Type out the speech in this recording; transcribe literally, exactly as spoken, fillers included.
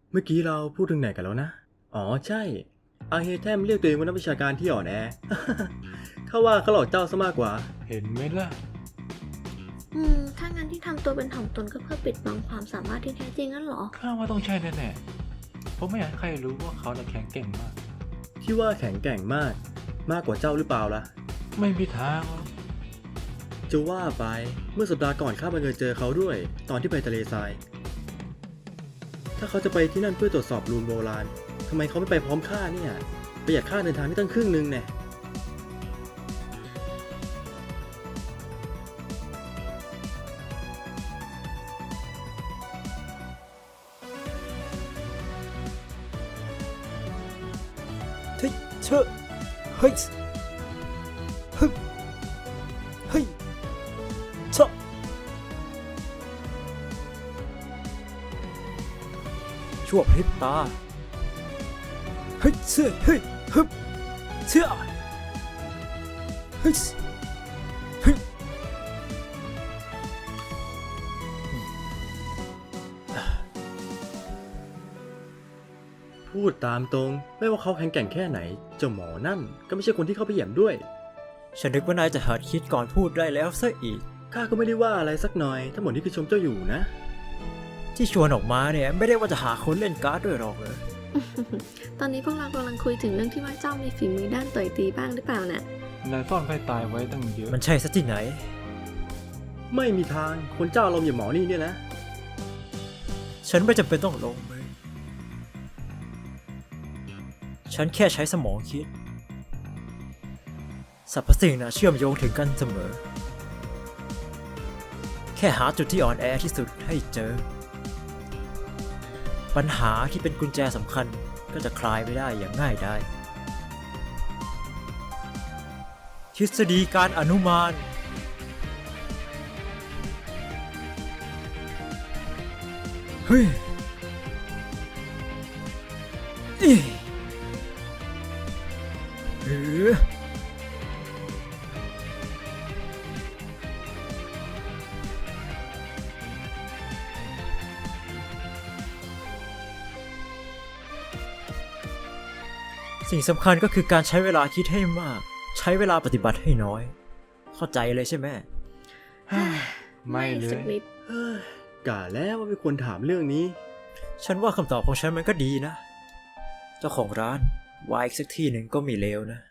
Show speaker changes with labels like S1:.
S1: เมื่อกี้เราพูดถึงไหนกันแล้วนะ อ๋อใช่อาเฮเทมเรียกตัวเองว่านักวิชาการที่อ่อนแอ เขาว่าเขาหลอกเจ้าซะมากกว่า
S2: เห็นไหมล่ะ
S3: อืม ถ้างั้นที่ทำตัวเป็นถ่อมตนก็เพื่อปิดบังความสามารถที่แท้จริงนั่นเหรอ
S2: ข้าว่าต้องใช่แน่ๆเพราะไม่อยากให้ใครรู้ว่าเขาน่ะแข็งเก่งมาก
S1: ที่ว่าแข็งแกร่งมาก มากกว่าเจ้าหรือเปล่าล่ะ
S2: ไม่มีทางหรอก
S1: จะว่าไปเมื่อสัปดาห์ก่อนข้าบังเอิญเจอเขาด้วย ตอนที่ไปทะเลทราย ถ้าเขาจะไปที่นั่นเพื่อตรวจสอบรูนโบราณทำไมเขาไม่ไปพร้อมข้าเนี่ยประหยัดค่าเดินทางได้ตั้งครึ่งนึงแน่
S4: เฮ้ยเชอะเฮ้ยฮึบเฮ้ยเชอะชั่วพริบตาเฮ้ยเชื่อเฮ้ยฮึบเชื่อเฮ้ยเฮ้ย
S1: พูดตามตรงไม่ว่าเขาแข็งแกร่งแค่ไหนเจ้าหมอนั่นก็ไม่ใช่คนที่เข้าไปเหยียบด้วย
S4: ฉันนึกว่านายจะหัดคิดก่อนพูดได้แล้วซะอีก
S1: ข้าก็ไม่ได้ว่าอะไรสักหน่อยทั้งหมดนี่คือชมเจ้าอยู่นะ
S4: ที่ชวนออกมาเนี่ยไม่ได้ว่าจะหาคนเล่นการ์ดด้วยหรอกเลย
S3: ตอนนี้พวกเรากำลังคุยถึงเรื่องที่ว่าเจ้ามีฝีมือด้านต่อยตีบ้างหรือเปล่าน่ะ
S2: นายซ่อนไพ่ตายไว้ตั้งเยอะ
S4: มันใช่ซะที่ไหน
S1: ไม่มีทางคนเจ้าลมอย่างหมอนี่เนี่ยนะ
S4: ฉันไม่จำเป็นต้องลงมือฉันแค่ใช้สมองคิดสรรพสิ่งนะเชื่อมโยงถึงกันเสมอ แค่หาจุดที่อ่อนแอที่สุดให้เจอ ปัญหาที่เป็นกุญแจสำคัญก็จะคลายไปได้อย่างง่ายดายทฤษฎีการอนุมานเฮ้ยอีเออสิ่งสำคัญก็คือการใช้เวลาคิดให้มาก ใช้เวลาปฏิบัติให้น้อย เข้าใจเลยใช่ไหม
S2: ไม่เล
S3: สัก
S2: ย
S3: นิด
S1: เฮ้ยกะแล้วว่าไม่ควรถามเรื่องนี้
S4: ฉันว่าคำตอบของฉันมันก็ดีนะ เจ้าของร้านวายอีกสักที่หนึ่งก็ไม่เลวนะ